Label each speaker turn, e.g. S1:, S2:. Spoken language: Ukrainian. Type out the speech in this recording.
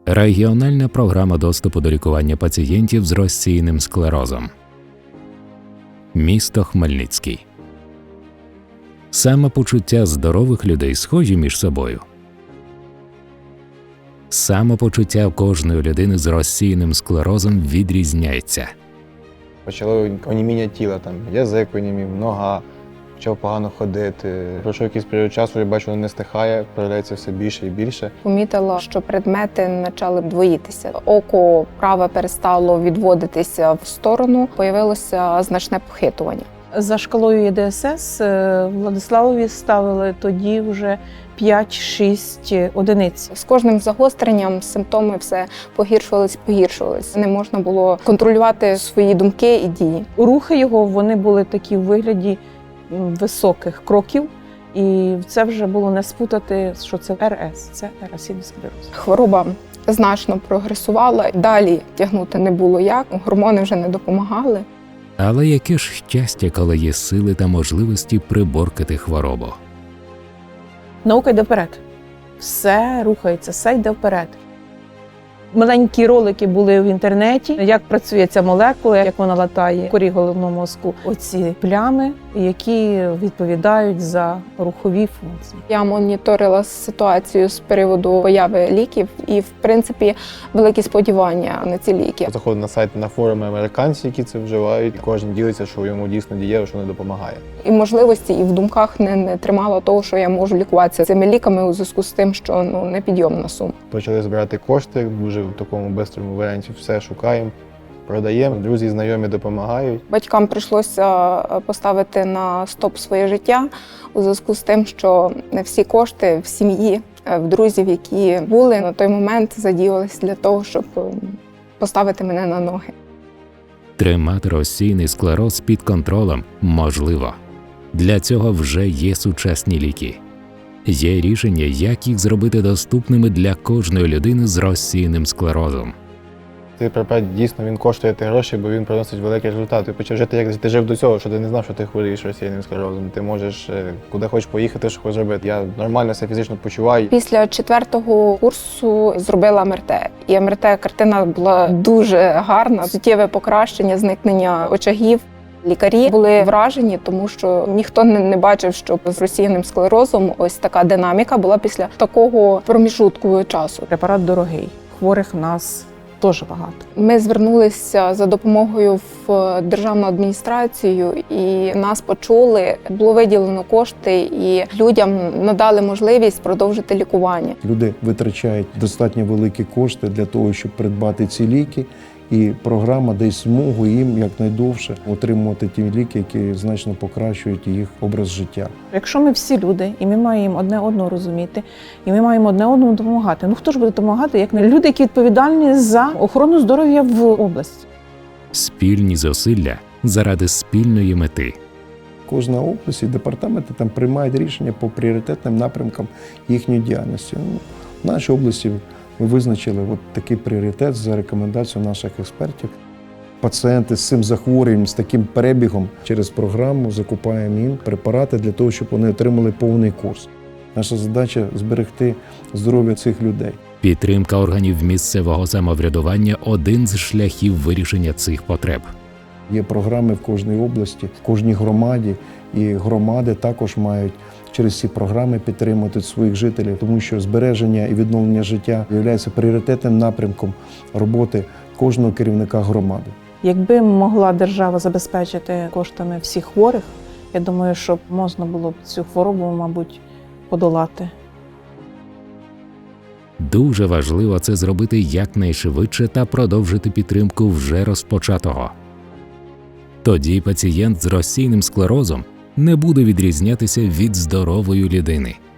S1: Регіональна програма доступу до лікування пацієнтів з розсіяним склерозом. Місто Хмельницький. Самопочуття здорових людей схожі між собою. Самопочуття кожної людини з розсіяним склерозом відрізняється.
S2: Почало оніміння тіла, там, язик онімів, нога, почав погано ходити. Пройшов якийсь період часу, я бачу, воно не стихає, проявляється все більше і більше.
S3: Помітила, що предмети почали двоїтися. Око праве перестало відводитися в сторону, появилося значне похитування.
S4: За шкалою ЄДСС Владиславові ставили тоді вже 5-6 одиниць.
S3: З кожним загостренням симптоми все погіршувались. Не можна було контролювати свої думки і дії.
S4: Рухи його вони були такі в вигляді високих кроків, і це вже було не спутати, що це РС, це еросійний склероз.
S3: Хвороба значно прогресувала, далі тягнути не було як, гормони вже не допомагали.
S1: Але яке ж щастя, коли є сили та можливості приборкати хворобу.
S4: Наука йде вперед. Все рухається, все йде вперед. Маленькі ролики були в інтернеті, як працює ця молекула, як вона латає в корі головного мозку. Оці плями, які відповідають за рухові функції.
S3: Я моніторила ситуацію з приводу появи ліків і, в принципі, великі сподівання на ці ліки.
S2: Заходив на сайт, на форуми американців, які це вживають, і кожен ділиться, що йому дійсно дієво, що не допомагає.
S3: І можливості, і в думках не тримала того, що я можу лікуватися цими ліками у зв'язку з тим, що непідйомна сума.
S2: Почали збирати кошти, дуже в такому швидкому варіанті все шукаємо, продаємо, друзі, знайомі допомагають.
S3: Батькам прийшлося поставити на стоп своє життя у зв'язку з тим, що не всі кошти в сім'ї, в друзів, які були на той момент, задіялися для того, щоб поставити мене на ноги.
S1: Тримати розсіяний склероз під контролем можливо. Для цього вже є сучасні ліки. Є рішення, як їх зробити доступними для кожної людини з розсіяним склерозом.
S2: Цей препарат дійсно він коштує ті гроші, бо він приносить великий результат. Ти почав жити, як ти жив до цього, що ти не знав, що ти хворієш розсіяним склерозом. Ти можеш куди хочеш поїхати, що хочеш зробити. Я нормально себе фізично почуваю.
S3: Після 4-го курсу зробила МРТ. І МРТ-картина була дуже гарна. Суттєве покращення, зникнення очагів. Лікарі були вражені, тому що ніхто не бачив, що з розсіяним склерозом ось така динаміка була після такого проміжутку часу.
S4: Препарат дорогий, хворих в нас дуже багато.
S3: Ми звернулися за допомогою в державну адміністрацію і нас почули. Було виділено кошти і людям надали можливість продовжити лікування.
S5: Люди витрачають достатньо великі кошти для того, щоб придбати ці ліки. І програма дає змогу їм якнайдовше отримувати ті ліки, які значно покращують їх образ життя.
S4: Якщо ми всі люди, і ми маємо одне одного розуміти, і ми маємо одне одному допомагати, хто ж буде допомагати, як не люди, які відповідальні за охорону здоров'я в області?
S1: Спільні зусилля заради спільної мети.
S5: Кожна область і департаменти там приймають рішення по пріоритетним напрямкам їхньої діяльності. В нашій області ми визначили такий пріоритет за рекомендацією наших експертів. Пацієнти з цим захворюванням, з таким перебігом через програму закупаємо їм препарати для того, щоб вони отримали повний курс. Наша задача – зберегти здоров'я цих людей.
S1: Підтримка органів місцевого самоврядування – один з шляхів вирішення цих потреб.
S5: Є програми в кожній області, в кожній громаді, і громади також мають через ці програми підтримувати своїх жителів, тому що збереження і відновлення життя є пріоритетним напрямком роботи кожного керівника громади.
S4: Якби могла держава забезпечити коштами всіх хворих, я думаю, що можна було б цю хворобу, мабуть, подолати.
S1: Дуже важливо це зробити якнайшвидше та продовжити підтримку вже розпочатого. Тоді пацієнт з розсіяним склерозом не буде відрізнятися від здорової людини.